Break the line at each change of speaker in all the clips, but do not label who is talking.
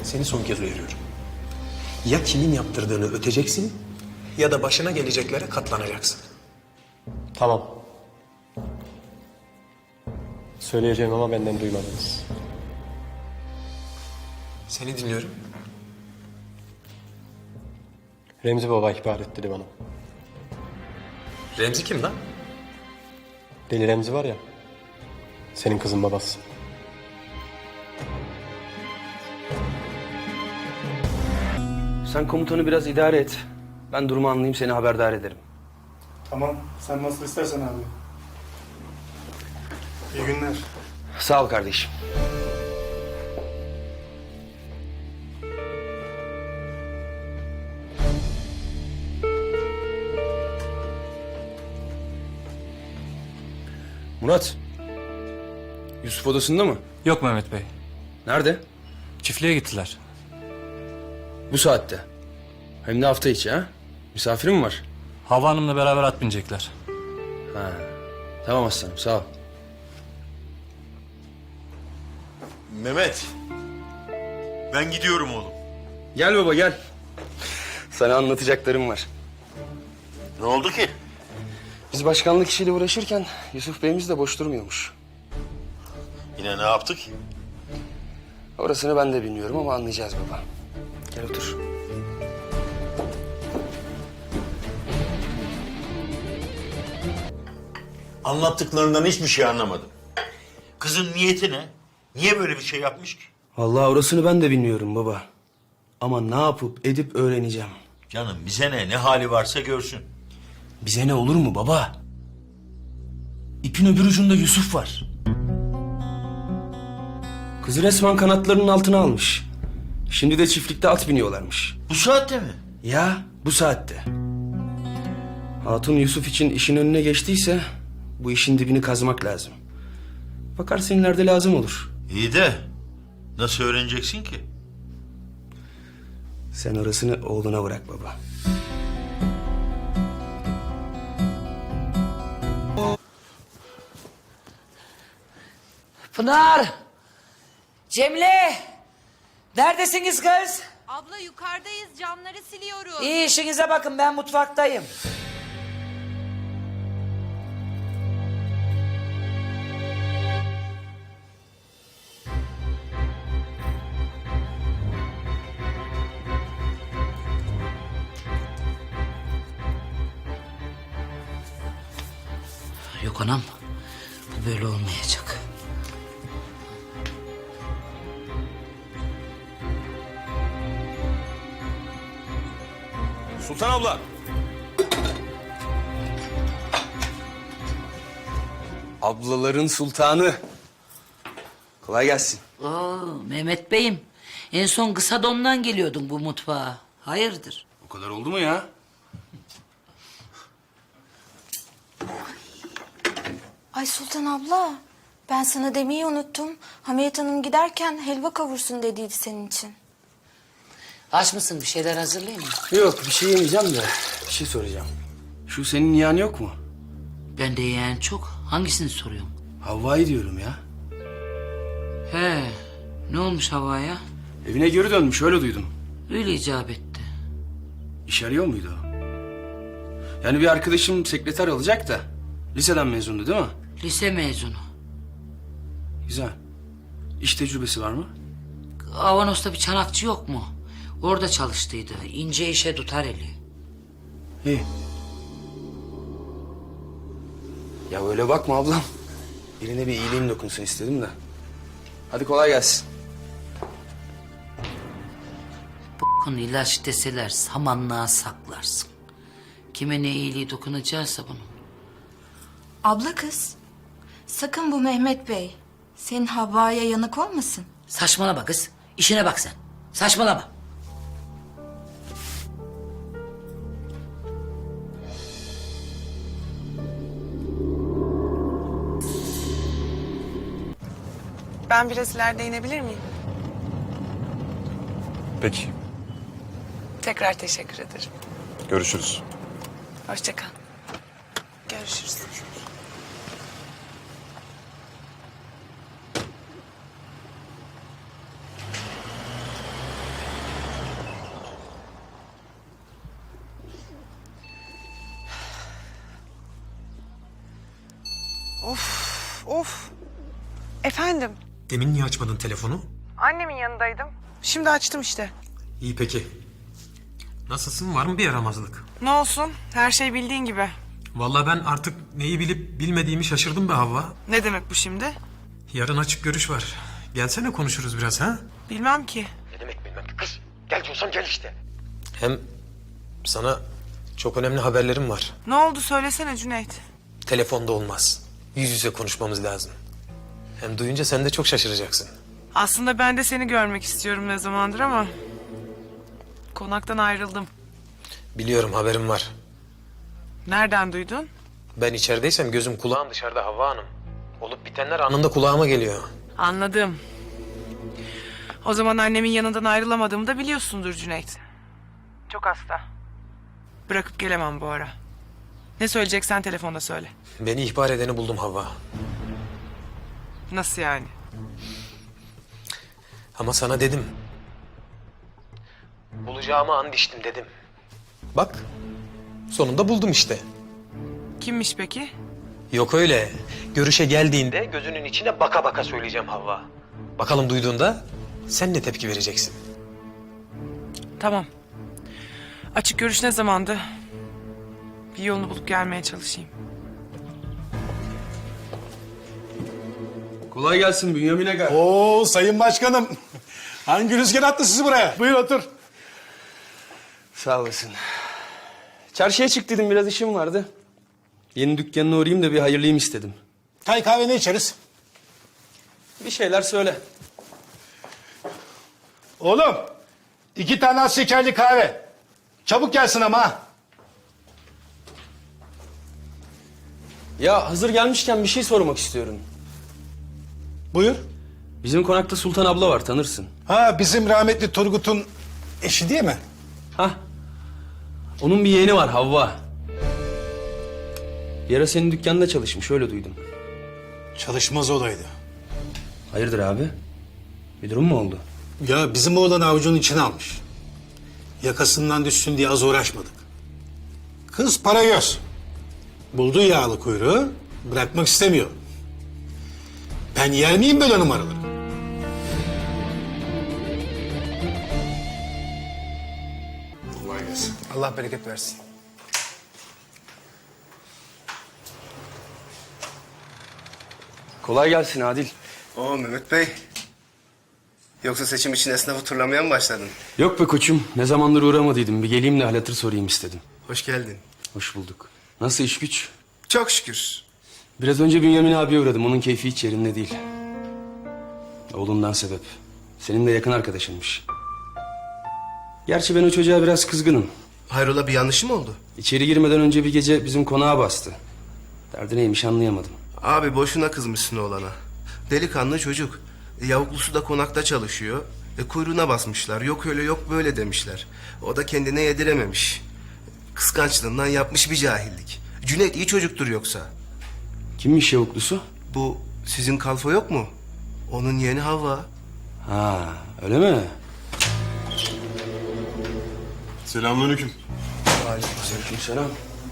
Seni son kez uyarıyorum. Ya kimin yaptırdığını öteceksin ya da başına geleceklere katlanacaksın.
Tamam. Söyleyeceğim ama benden duymadınız.
Seni dinliyorum.
Remzi Baba ihbar etti dedi bana.
Remzi kim lan?
Deli Remzi var ya, senin kızın babası.
Sen komutanı biraz idare et. Ben durumu anlayayım, seni haberdar ederim.
Tamam, sen nasıl istersen abi. İyi günler.
Sağ ol kardeşim. Murat. Yusuf odasında mı?
Yok Mehmet Bey.
Nerede?
Çiftliğe gittiler.
Bu saatte. Hem de hafta içi ha? Misafirin mi var?
Hava Hanım'la beraber at binecekler.
Ha. Tamam aslanım, sağ ol.
Mehmet. Ben gidiyorum oğlum.
Gel baba gel. Sana anlatacaklarım var.
Ne oldu ki?
Biz başkanlık işiyle uğraşırken Yusuf Bey'imiz de boş durmuyormuş.
Yine ne yaptık?
Orasını ben de bilmiyorum ama anlayacağız baba. Gel otur.
Anlattıklarından hiçbir şey anlamadım. Kızın niyeti ne? Niye böyle bir şey yapmış ki?
Vallahi orasını ben de bilmiyorum baba. Ama ne yapıp edip öğreneceğim.
Canım bize ne hali varsa görsün.
Bize ne olur mu baba? İpin öbür ucunda Yusuf var. Kızı resmen kanatlarının altına almış. Şimdi de çiftlikte at biniyorlarmış.
Bu saatte mi?
Ya bu saatte. Hatun Yusuf için işin önüne geçtiyse bu işin dibini kazmak lazım. Bakarsın ileride lazım olur.
İyi de nasıl öğreneceksin ki?
Sen orasını oğluna bırak baba.
Pınar! Cemile! Neredesiniz kız?
Abla yukarıdayız, camları siliyoruz.
İyi işinize bakın, ben mutfaktayım. Yok anam, bu böyle olmayacak.
Sultan abla.
Ablaların sultanı. Kolay gelsin.
Oo, Mehmet Bey'im, en son kısa dondan geliyordun bu mutfağa. Hayırdır?
O kadar oldu mu ya?
Ay Sultan abla, ben sana demeyi unuttum. Hamiyet Hanım giderken helva kavursun dediydi senin için.
Aç mısın, bir şeyler hazırlayayım mı?
Yok bir şey yemeyeceğim de bir şey soracağım. Şu senin yeğen yok mu?
Ben de yeğen çok. Hangisini soruyorsun?
Havva'yı diyorum ya.
He, ne olmuş havaya?
Evine geri dönmüş öyle duydum.
Öyle icap etti.
İş arıyor muydu o? Yani bir arkadaşım sekreter alacak da liseden mezundu değil mi?
Lise mezunu.
Güzel. İş tecrübesi var mı?
Avanos'ta bir çanakçı yok mu? Orada çalıştıydı. İnce işe tutar eli.
İyi. Ya öyle bakma ablam. Birine bir iyiliğim dokunsun istedim de. Hadi kolay gelsin.
Bunu ilaç deseler samanlığa saklarsın. Kime ne iyiliği dokunacaksa bunun.
Abla kız, sakın bu Mehmet Bey senin Havva'ya yanık olmasın.
Saçmalama kız. İşine bak sen. Saçmalama.
Ben biraz ileride inebilir miyim?
Peki.
Tekrar teşekkür ederim.
Görüşürüz.
Hoşça kal. Görüşürüz. Of. Efendim?
Demin niye açmadın telefonu?
Annemin yanındaydım. Şimdi açtım işte.
İyi peki. Nasılsın? Var mı bir yaramazlık?
Ne olsun? Her şey bildiğin gibi.
Vallahi ben artık neyi bilip bilmediğimi şaşırdım be Havva.
Ne demek bu şimdi?
Yarın açık görüş var. Gelsene konuşuruz biraz ha?
Bilmem ki.
Ne demek bilmem kız. Gel diyorsam gel işte. Hem sana çok önemli haberlerim var.
Ne oldu söylesene Cüneyt.
Telefonda olmaz. Yüz yüze konuşmamız lazım. Hem duyunca sen de çok şaşıracaksın.
Aslında ben de seni görmek istiyorum ne zamandır ama... Konaktan ayrıldım.
Biliyorum haberim var.
Nereden duydun?
Ben içerideysem gözüm kulağım dışarıda Havva Hanım. Olup bitenler anında kulağıma geliyor.
Anladım. O zaman annemin yanından ayrılamadığımı da biliyorsundur Cüneyt. Çok hasta. Bırakıp gelemem bu ara. Ne söyleyeceksen telefonda söyle.
Beni ihbar edeni buldum Havva.
Nasıl yani?
Ama sana dedim. Bulacağımı and içtim dedim. Bak sonunda buldum işte.
Kimmiş peki?
Yok öyle. Görüşe geldiğinde gözünün içine baka baka söyleyeceğim Havva. Bakalım duyduğunda sen ne tepki vereceksin?
Tamam. Açık görüş ne zamandı? Bir yolunu bulup gelmeye çalışayım.
Kolay gelsin Bünyamin Aga.
Oo sayın başkanım. Hangi rüzgar attı sizi buraya? Buyur otur.
Sağ olasın. Çarşıya çık dedim, biraz işim vardı. Yeni dükkanına uğrayayım da bir hayırlıyım istedim.
Çay kahve ne içeriz?
Bir şeyler söyle.
Oğlum 2 tane az şekerli kahve. Çabuk gelsin ama ha.
Ya hazır gelmişken bir şey sormak istiyorum.
Buyur.
Bizim konakta Sultan abla var, tanırsın.
Ha bizim rahmetli Turgut'un eşi değil mi?
Hah. Onun bir yeğeni var, Havva. Bir ara senin dükkanda çalışmış, öyle duydum.
Çalışmaz olaydı.
Hayırdır abi? Bir durum mu oldu?
Ya bizim oğlan avucunun içine almış. Yakasından düşsün diye az uğraşmadık. Kız para göz. Buldu yağlı kuyruğu, bırakmak istemiyor. Ben yer miyim böyle numaraları? Kolay gelsin.
Allah bereket versin.
Kolay gelsin Adil.
Oo Mehmet Bey. Yoksa seçim için esnafı turlamaya mı başladın?
Yok be koçum, ne zamandır uğramadıydım. Bir geleyim de hal hatır sorayım istedim.
Hoş geldin.
Hoş bulduk. Nasıl iş güç?
Çok şükür.
Biraz önce Bünyamin abiye uğradım. Onun keyfi hiç yerinde değil. Oğlundan sebep. Senin de yakın arkadaşınmış. Gerçi ben o çocuğa biraz kızgınım.
Hayrola bir yanlışı mı oldu?
İçeri girmeden önce bir gece bizim konağa bastı. Derdi neymiş anlayamadım.
Abi boşuna kızmışsın oğlana. Delikanlı çocuk. Yavuklusu da konakta çalışıyor. Kuyruğuna basmışlar. Yok öyle yok böyle demişler. O da kendine yedirememiş. Kıskançlığından yapmış bir cahillik. Cüneyt iyi çocuktur yoksa.
Kimmiş yavuklusu?
Bu sizin kalfa yok mu? Onun yeğeni Havva.
Ha, öyle mi?
Selamünaleyküm.
Aleykümselam.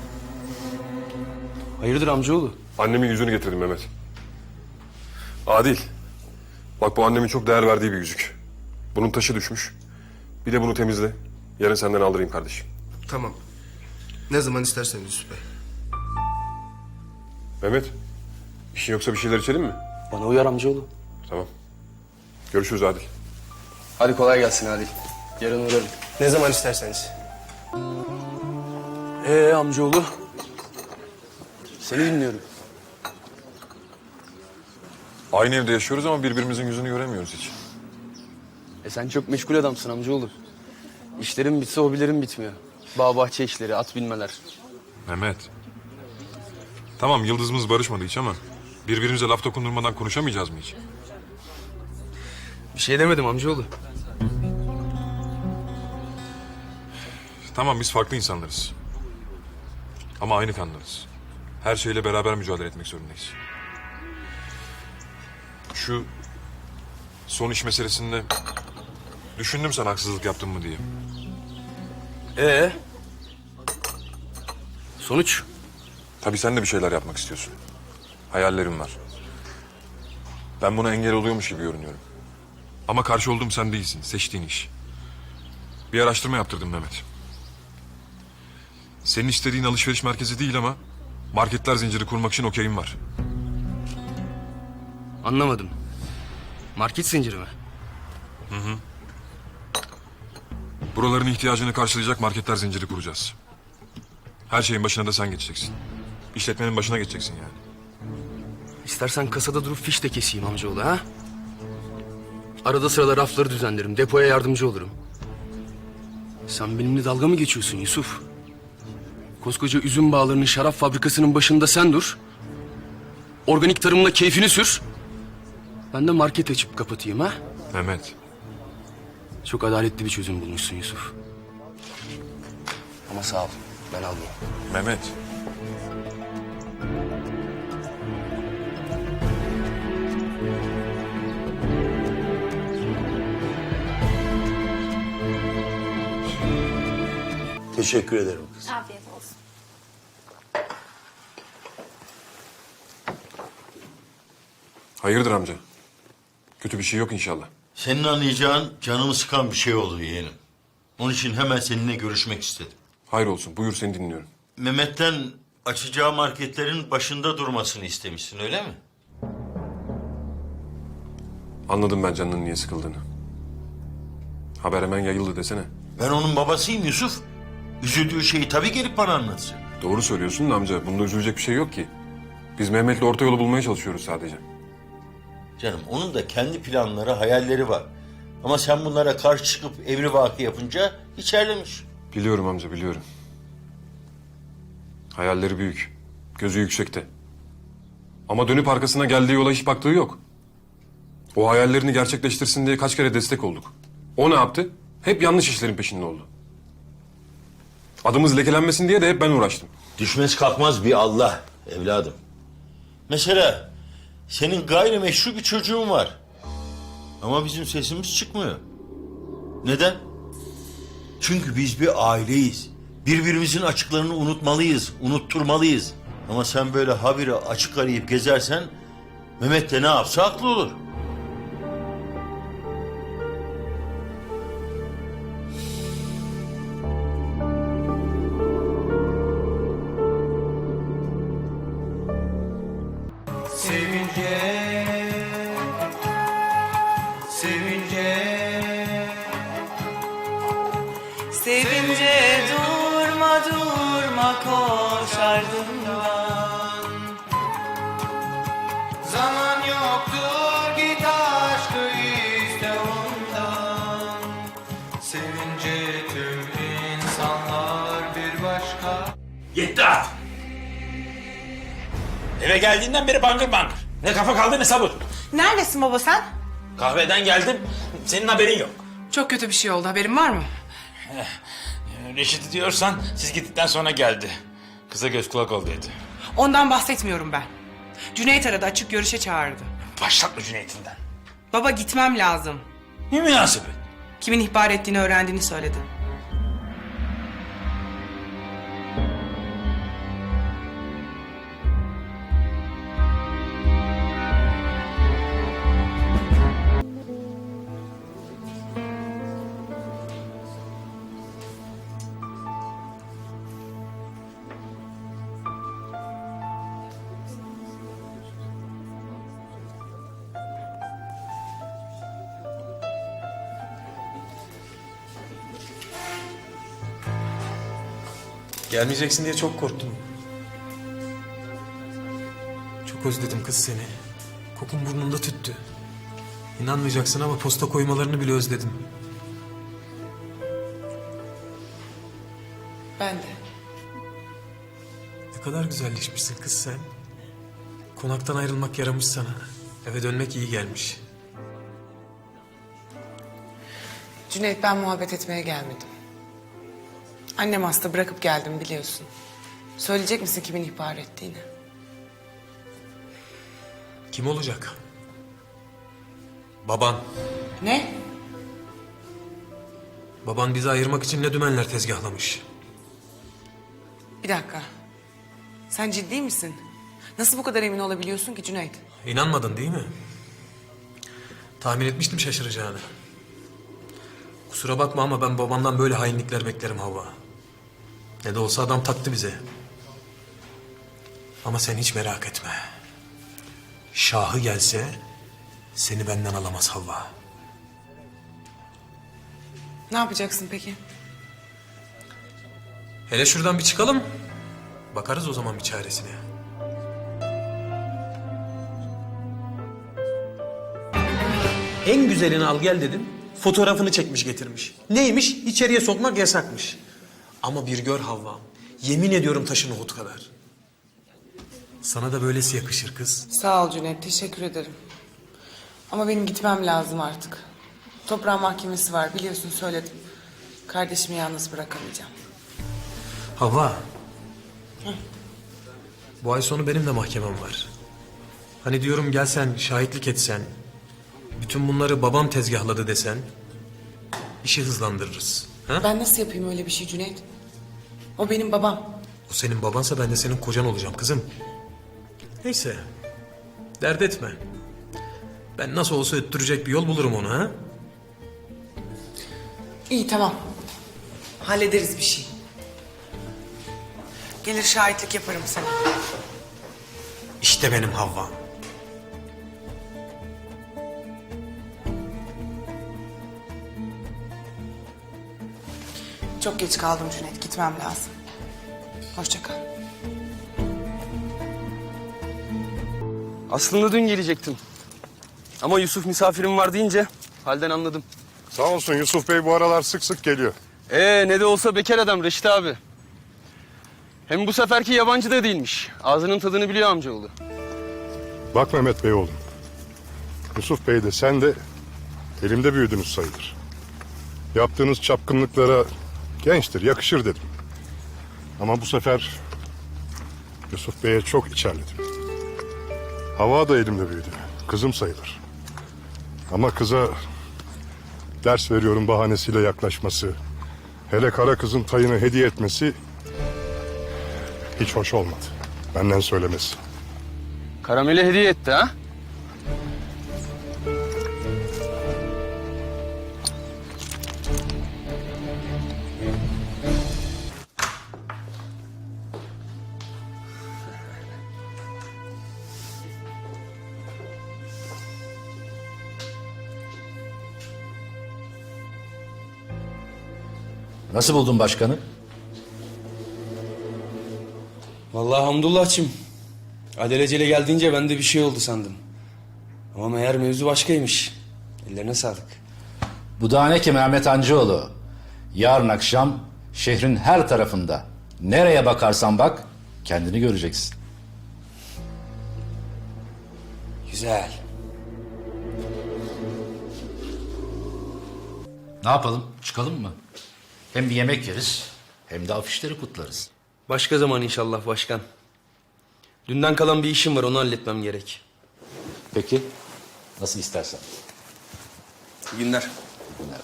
Hayırdır amcaoğlu?
Annemin yüzünü getirdim Mehmet. Adil. Bak bu annemin çok değer verdiği bir yüzük. Bunun taşı düşmüş. Bir de bunu temizle. Yarın senden aldırayım kardeşim.
Tamam. Ne zaman isterseniz Yusuf Bey.
Mehmet. İşin yoksa bir şeyler içelim mi?
Bana uyar amcaoğlu.
Tamam. Görüşürüz Adil.
Hadi kolay gelsin Adil. Yarın uğrarım.
Ne zaman isterseniz.
Amcaoğlu? Seni dinliyorum.
Aynı evde yaşıyoruz ama birbirimizin yüzünü göremiyoruz hiç.
Sen çok meşgul adamsın amcaoğlu. İşlerin bitse hobilerin bitmiyor. Bağ bahçe işleri, at binmeler.
Mehmet. Tamam yıldızımız barışmadı hiç ama birbirimize laf dokundurmadan konuşamayacağız mı hiç?
Bir şey demedim amcaoğlu.
Tamam biz farklı insanlarız. Ama aynı kanlarız. Her şeyle beraber mücadele etmek zorundayız. Şu son iş meselesinde düşündüm sana haksızlık yaptım mı diye.
Sonuç?
Tabii sen de bir şeyler yapmak istiyorsun. Hayallerim var. Ben buna engel oluyormuş gibi görünüyorum. Ama karşı olduğum sen değilsin, seçtiğin iş. Bir araştırma yaptırdım Mehmet. Senin istediğin alışveriş merkezi değil ama marketler zinciri kurmak için okeyim var.
Anlamadım. Market zinciri mi?
Buraların ihtiyacını karşılayacak marketler zinciri kuracağız. Her şeyin başına da sen geçeceksin. İşletmenin başına geçeceksin yani.
İstersen kasada durup fiş de keseyim amcaoğlu ha? Arada sırada rafları düzenlerim, depoya yardımcı olurum. Sen benimle dalga mı geçiyorsun Yusuf? Koskoca üzüm bağlarının şarap fabrikasının başında sen dur. Organik tarımla keyfini sür. Ben de market açıp kapatayım ha?
Mehmet,
Çok adaletli bir çözüm bulmuşsun Yusuf. Ama sağ ol, ben almayayım.
Mehmet.
Teşekkür ederim kız.
Afiyet olsun.
Hayırdır amca? Kötü bir şey yok inşallah.
Senin anlayacağın canımı sıkan bir şey oldu yeğenim. Onun için hemen seninle görüşmek istedim.
Hayır olsun, buyur seni dinliyorum.
Mehmet'ten açacağı marketlerin başında durmasını istemişsin öyle mi?
Anladım ben canının niye sıkıldığını. Haber hemen yayıldı desene.
Ben onun babasıyım Yusuf. Üzüldüğü şeyi tabii gelip bana anlatacak.
Doğru söylüyorsun da amca, bunda üzülecek bir şey yok ki. Biz Mehmet'le orta yolu bulmaya çalışıyoruz sadece.
Canım onun da kendi planları, hayalleri var. Ama sen bunlara karşı çıkıp evrivaki yapınca içerlemiş.
Biliyorum amca, biliyorum. Hayalleri büyük, gözü yüksekte. Ama dönüp arkasına geldiği yola hiç baktığı yok. O hayallerini gerçekleştirsin diye kaç kere destek olduk. O ne yaptı? Hep yanlış işlerin peşinde oldu. Adımız lekelenmesin diye de hep ben uğraştım.
Düşmez kalkmaz bir Allah evladım. Mesela senin gayrimeşru bir çocuğun var. Ama bizim sesimiz çıkmıyor. Neden? Çünkü biz bir aileyiz. Birbirimizin açıklarını unutmalıyız, unutturmalıyız. Ama sen böyle habire açık arayıp gezersen Mehmet de ne yapsa haklı olur.
Sevince durma durma koş ardından.
Zaman yoktur git aşkı iste ondan. Sevince tüm insanlar bir başka.
Yetti artık. Eve geldiğinden beri bangır bangır. Ne kafa kaldı ne sabır.
Neredesin baba sen?
Kahveden geldim, senin haberin yok.
Çok kötü bir şey oldu, haberin var mı?
Reşit'i diyorsan siz gittikten sonra geldi. Kıza göz kulak ol dedi.
Ondan bahsetmiyorum ben. Cüneyt aradı, açık görüşe çağırdı.
Başlatma Cüneyt'inden.
Baba gitmem lazım.
Ne münasebet?
Kimin ihbar ettiğini öğrendiğini söyledi.
Gelmeyeceksin diye çok korktum. Çok özledim kız seni. Kokun burnumda tüttü. İnanmayacaksın ama posta koymalarını bile özledim.
Ben de.
Ne kadar güzelleşmişsin kız sen. Konaktan ayrılmak yaramış sana. Eve dönmek iyi gelmiş.
Cüneyt, ben muhabbet etmeye gelmedim. Annem hasta, bırakıp geldim biliyorsun. Söyleyecek misin kimin ihbar ettiğini?
Kim olacak? Baban.
Ne?
Baban bizi ayırmak için ne dümenler tezgahlamış.
Bir dakika. Sen ciddi misin? Nasıl bu kadar emin olabiliyorsun ki Cüneyt?
İnanmadın değil mi? Tahmin etmiştim şaşıracağını. Kusura bakma ama ben babamdan böyle hainlikler beklerim Havva. Ne de olsa adam taktı bize. Ama sen hiç merak etme. Şahı gelse seni benden alamaz Havva.
Ne yapacaksın peki?
Hele şuradan bir çıkalım. Bakarız o zaman bir çaresine. En güzelini al gel dedim. Fotoğrafını çekmiş getirmiş. Neymiş? İçeriye sokmak yasakmış. Ama bir gör Havva'm. Yemin ediyorum taşın Uhud kadar. Sana da böylesi yakışır kız.
Sağ ol Cüneyt, teşekkür ederim. Ama benim gitmem lazım artık. Toprağın mahkemesi var, biliyorsun söyledim. Kardeşimi yalnız bırakamayacağım.
Havva. Bu ay sonu benim de mahkemem var. Hani diyorum gelsen, şahitlik etsen... bütün bunları babam tezgahladı desen... işi hızlandırırız. Ha?
Ben nasıl yapayım öyle bir şey Cüneyt? O benim babam.
O senin babansa ben de senin kocan olacağım kızım. Neyse. Dert etme. Ben nasıl olsa öttürecek bir yol bulurum onu ha.
İyi tamam. Hallederiz bir şey. Gelir şahitlik yaparım sana.
İşte benim Havva.
Çok geç kaldım Cüneyt, gitmem lazım. Hoşça kal.
Aslında dün gelecektim. Ama Yusuf misafirim var deyince halden anladım.
Sağ olsun Yusuf Bey bu aralar sık sık geliyor.
Ne de olsa bekar adam Reşit abi. Hem bu seferki yabancı da değilmiş. Ağzının tadını biliyor amcaoğlu.
Bak Mehmet Bey oğlum. Yusuf Bey de sen de elimde büyüdünüz sayılır. Yaptığınız çapkınlıklara gençtir, yakışır dedim. Ama bu sefer Yusuf Bey'e çok içerledim. Hava da elimde büyüdü. Kızım sayılır. Ama kıza ders veriyorum bahanesiyle yaklaşması, hele kara kızın tayını hediye etmesi hiç hoş olmadı. Benden söylemesi.
Karamele hediye etti ha?
Nasıl buldun başkanı?
Vallahi hamdullahçım. Alelacele geldiğince ben de bir şey oldu sandım. Ama meğer mevzu başkaymış. Ellerine sağlık.
Bu da ne ki Mehmet Hancıoğlu? Yarın akşam şehrin her tarafında nereye bakarsan bak kendini göreceksin.
Güzel.
Ne yapalım? Çıkalım mı? Hem bir yemek yeriz hem de afişleri kutlarız.
Başka zaman inşallah başkan. Dünden kalan bir işim var, onu halletmem gerek.
Peki. Nasıl istersen.
İyi günler.
Günler.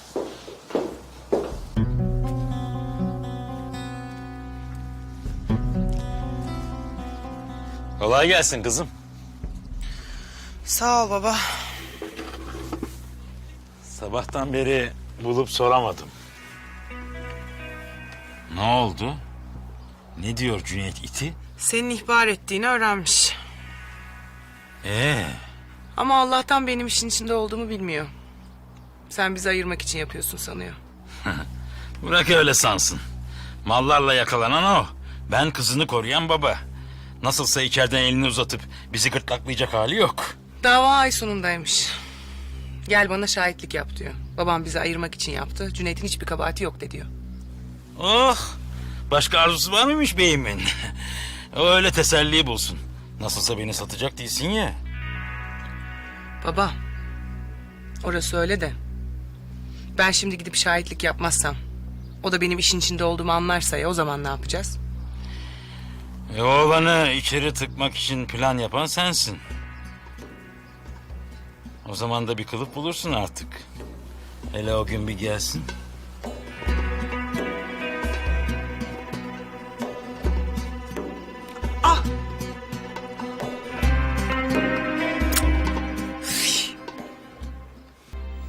Kolay gelsin kızım.
Sağ ol baba.
Sabahtan beri bulup soramadım. Ne oldu? Ne diyor Cüneyt iti?
Senin ihbar ettiğini öğrenmiş.
Ee,
Ama Allah'tan benim işin içinde olduğumu bilmiyor. Sen bizi ayırmak için yapıyorsun sanıyor.
bırak öyle sansın. Mallarla yakalanan o. Ben kızını koruyan baba. Nasılsa içeriden elini uzatıp bizi gırtlaklayacak hali yok.
Dava ay sonundaymış. Gel bana şahitlik yap diyor. Babam bizi ayırmak için yaptı. Cüneyt'in hiçbir kabahati yok de diyor.
Oh! Başka arzusu var mıymış beyimin? O öyle teselli bulsun. Nasılsa beni satacak değilsin ya.
Baba, orası öyle de. Ben şimdi gidip şahitlik yapmazsam, o da benim işin içinde olduğumu anlarsa ya o zaman ne yapacağız?
Oğlanı içeri tıkmak için plan yapan sensin. O zaman da bir kılıf bulursun artık. Hele o gün bir gelsin.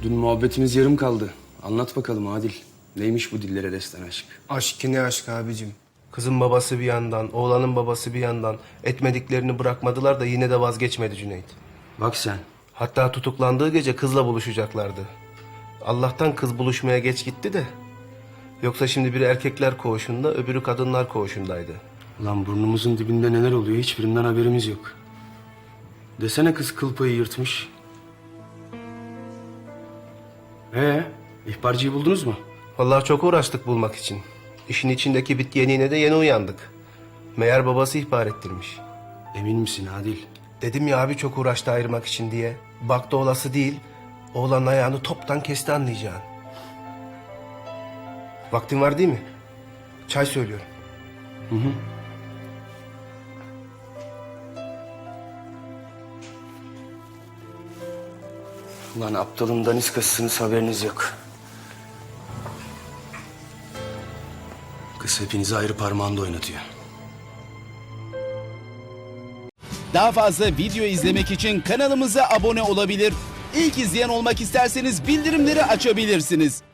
Dün muhabbetimiz yarım kaldı. Anlat bakalım Adil. Neymiş bu dillere destan aşk?
Aşk ne aşk abicim. Kızın babası bir yandan, oğlanın babası bir yandan. Etmediklerini bırakmadılar da yine de vazgeçmedi Cüneyt.
Bak sen.
Hatta tutuklandığı gece kızla buluşacaklardı. Allah'tan kız buluşmaya geç gitti de. Yoksa şimdi biri erkekler koğuşunda, öbürü kadınlar koğuşundaydı.
Ulan burnumuzun dibinde neler oluyor hiçbirinden haberimiz yok. Desene kız kıl payı yırtmış. İhbarcıyı buldunuz mu?
Vallahi çok uğraştık bulmak için. İşin içindeki bit yeniğine de yeni uyandık. Meğer babası ihbar ettirmiş.
Emin misin Adil?
Dedim ya abi çok uğraştı ayırmak için diye. Baktı olası değil. Oğlanın ayağını toptan kesti anlayacağın. Vaktin var değil mi? Çay söylüyorum.
Ulan aptalın daniskasısınız haberiniz yok. Kız hepinizi ayrı parmağında oynatıyor.
Daha fazla video izlemek için kanalımıza abone olabilir. İlk izleyen olmak isterseniz bildirimleri açabilirsiniz.